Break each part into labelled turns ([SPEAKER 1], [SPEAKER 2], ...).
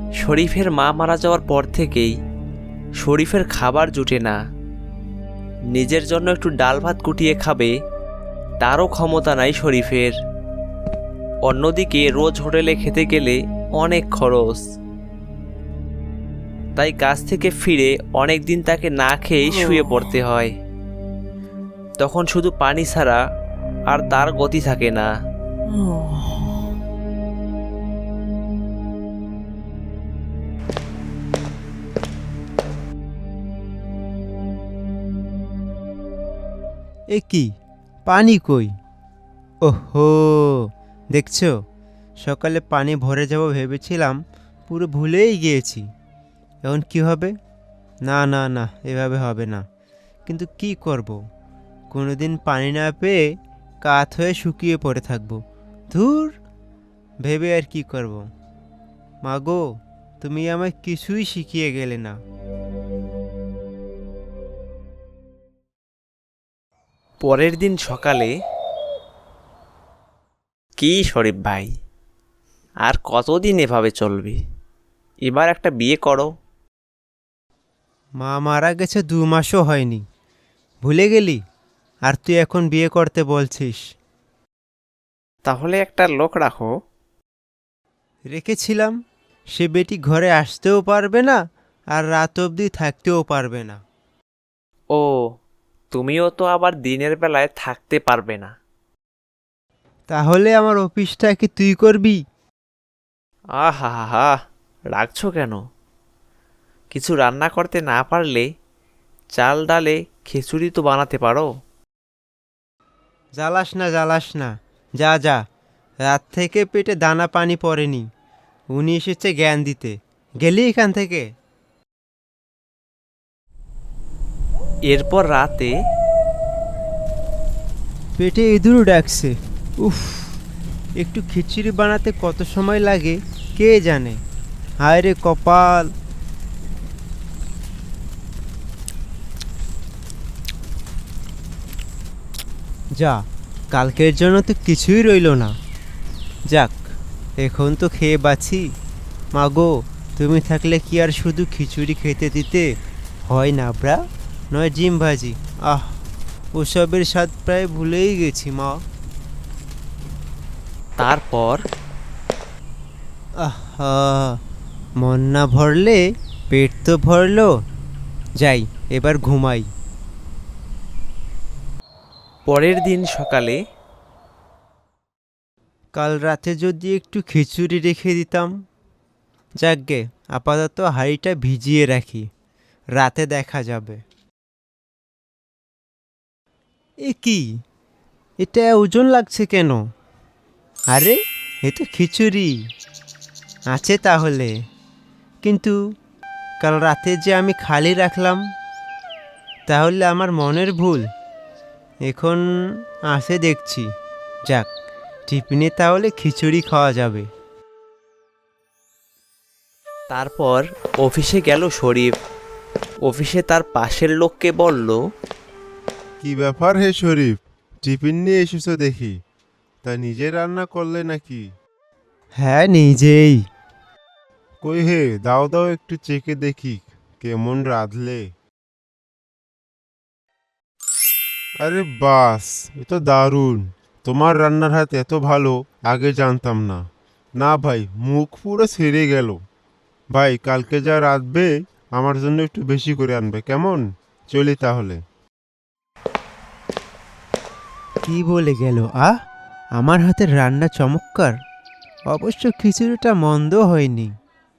[SPEAKER 1] শরীফের মা মারা যাওয়ার পর থেকেই শরীফের খাবার জুটে না। নিজের জন্য একটু ডাল ভাত কুটিয়ে খাবে তারও ক্ষমতা নাই শরীফের। অন্যদিকে রোজ হোটেলে খেতে গেলে অনেক খরচ, তাই কাজ থেকে ফিরে অনেক দিন তাকে না খেয়েই শুয়ে পড়তে হয়। তখন শুধু পানি ছাড়া আর তার গতি থাকে না।
[SPEAKER 2] এ কি পানি কই? ওহো, দেখছো, সকালে পানি ভরে যাব ভেবেছিলাম, পুরো ভুলেই গিয়েছি। এখন কি হবে? না না না, এভাবে হবে না। কিন্তু কি করব, কোনোদিন পানি না পেয়ে কাত হয়ে শুকিয়ে পড়ে থাকবো। ধুর, ভেবে আর কি করব। মাগো, তুমি আমায় কিছুই শিখিয়ে গেলে না।
[SPEAKER 1] পরের দিন সকালে, কি শরীফ ভাই, আর কতদিন এভাবে চলবে? এবার একটা বিয়ে করো।
[SPEAKER 2] মা মারা গেছে 2 মাসও হয়নি, ভুলে গেলি? আর তুই এখন বিয়ে করতে বলছিস?
[SPEAKER 1] তাহলে একটা লোক রাখো।
[SPEAKER 2] রেখেছিলাম, সে বেটি ঘরে আসতেও পারবে না, আর রাত অবধি থাকতেও পারবে না।
[SPEAKER 1] ও, তুমিও তো আবার দিনের বেলায় থাকতে পারবে না।
[SPEAKER 2] তাহলে আমার অফিসটা কি তুই করবি?
[SPEAKER 1] আহা হা হা, রাখছো কেন? কিছু রান্না করতে না পারলে চাল ডালে খিচুড়ি তো বানাতে পারো।
[SPEAKER 2] জ্বালাস না, জ্বালাস না, যা যা। রাত থেকে পেটে দানা পানি পড়েনি, উনি এসেছে জ্ঞান দিতে। গেলি এখান থেকে।
[SPEAKER 1] এরপর রাতে
[SPEAKER 2] পেটে ইঁদুর ডাকছে। উফ, একটু খিচুড়ি বানাতে কত সময় লাগে কে জানে। হায় রে কপাল। যা, কালকের জন্য তো কিছুই রইল না। যাক, এখন তো খেয়ে বাঁচি। মাগো, তুমি থাকলে কি আর শুধু খিচুড়ি খেতে দিতে হয় না ব্রা? নয় ডিম ভাজি। আহ, ওসবের স্বাদ প্রায় ভুলেই গেছি মা।
[SPEAKER 1] তারপর
[SPEAKER 2] আহা, মন না ভরলে পেট তো ভরলো। যাই, এবার ঘুমাই।
[SPEAKER 1] পরের দিন সকালে
[SPEAKER 2] কাল রাতে যদি একটু খিচুড়ি রেখে দিতাম। যাকগে, আপাতত হাঁড়িটা ভিজিয়ে রাখি, রাতে দেখা যাবে। এ কি, এটা ওজন লাগছে কেন? আরে, এ তো খিচুড়ি আছে তাহলে। কিন্তু কাল রাতে যে আমি খালি রাখলাম, তাহলে আমার মনের ভুল। এখন আসে দেখছি। যাক, টিফিনে তাহলে খিচুড়ি খাওয়া যাবে।
[SPEAKER 1] তারপর অফিসে গেল শরীফ। অফিসে তার পাশের লোককে বলল,
[SPEAKER 3] কি ব্যাপার হে শরীফ, টিফিন নিয়ে এসেছো দেখি। তা নিজে রান্না করলে নাকি?
[SPEAKER 2] হ্যাঁ, নিজেই।
[SPEAKER 3] কই হে, দাও দাও একটু চেখে দেখি কেমন রাঁধলে। আরে বাস, এ তো দারুণ। তোমার রান্নার হাত এত ভালো, আগে জানতাম না। না ভাই, মুখ পুরো ছেড়ে গেল। ভাই, কালকে যা রাঁধবে আমার জন্য একটু বেশি করে আনবে, কেমন? চলি তাহলে।
[SPEAKER 2] কি বলে গেল? আমার হাতের রান্না চমৎকার। অবশ্য খিচুড়িটা মন্দ হয়নি।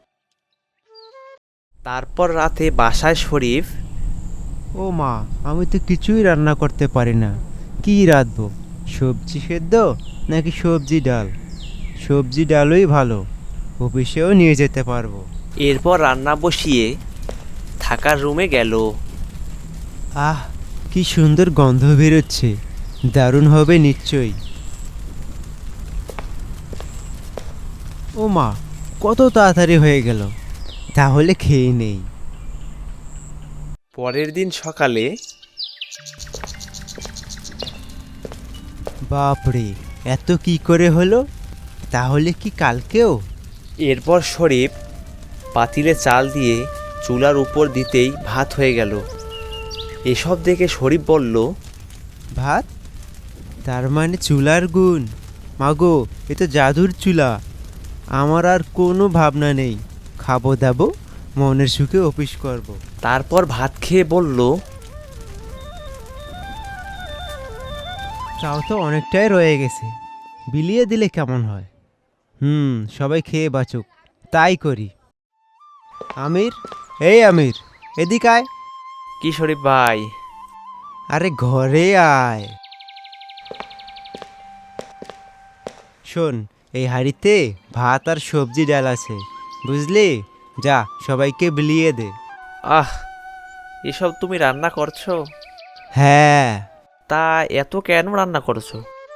[SPEAKER 1] তারপর রাতে বাসায় শরীফ
[SPEAKER 2] ও মা, আমি তো কিছুই রান্না করতে পারি না। কি রাঁধবো? সবজি সেদ্ধ নাকি সবজি ডাল? সবজি ডালই ভালো, অফিসেও নিয়ে যেতে পারবো।
[SPEAKER 1] এরপর রান্না বসিয়ে থাকার রুমে গেল।
[SPEAKER 2] আহ, কি সুন্দর গন্ধ বেরোচ্ছে, দারুণ হবে নিশ্চয়ই। ও মা, কত তাড়াতাড়ি হয়ে গেল, তাহলে খেয়ে নেই।
[SPEAKER 1] পরের দিন সকালে
[SPEAKER 2] বাপরে, এত কি করে হলো? তাহলে কি কালকেও?
[SPEAKER 1] এরপর শরীফ পাতিলে চাল দিয়ে চুলার উপর দিতেই ভাত হয়ে গেল। এসব দেখে শরীফ বলল,
[SPEAKER 2] ভাত? তার মানে চুলার গুণ। মাগো, এ তো জাদুর চুলা। আমার আর কোনো ভাবনা নেই, খাবো দাবো, মনের সুখে অফিস করব।
[SPEAKER 1] তারপর ভাত খেয়ে বলল,
[SPEAKER 2] চাও তো অনেকটাই রয়ে গেছে, বিলিয়ে দিলে কেমন হয়? সবাই খেয়ে বাঁচুক, তাই করি। আমির, এই আমির, এদিক আয়।
[SPEAKER 1] কি শরীফ ভাই?
[SPEAKER 2] আরে ঘরে আয়। শোন, এই হাঁড়িতে ভাত আর সবজি ডাল আছে, বুঝলি? যা, সবাইকে বিলিয়ে দে।
[SPEAKER 1] আহ, এসব তুমি রান্না করছো?
[SPEAKER 2] হ্যাঁ।
[SPEAKER 1] তা এত কেন রান্না করছো?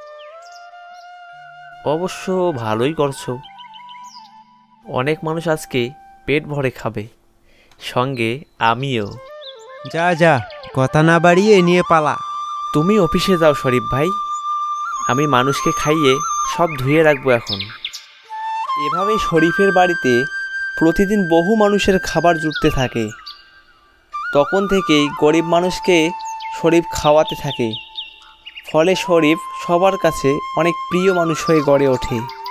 [SPEAKER 1] অবশ্য ভালোই করছো। অনেক মানুষ আজকে পেট ভরে খাবে, সঙ্গে আমিও।
[SPEAKER 2] যা যা, কথা না বাড়িয়ে নিয়ে পালা।
[SPEAKER 1] তুমি অফিসে যাও শরীফ ভাই, আমি মানুষকে খাইয়ে সব ধুয়ে রাখবো এখন। এভাবেই শরীফের বাড়িতে প্রতিদিন বহু মানুষের খাবার জুটতে থাকে। তখন থেকেই গরিব মানুষকে শরীফ খাওয়াতে থাকে। ফলে শরীফ সবার কাছে অনেক প্রিয় মানুষ হয়ে গড়ে ওঠে।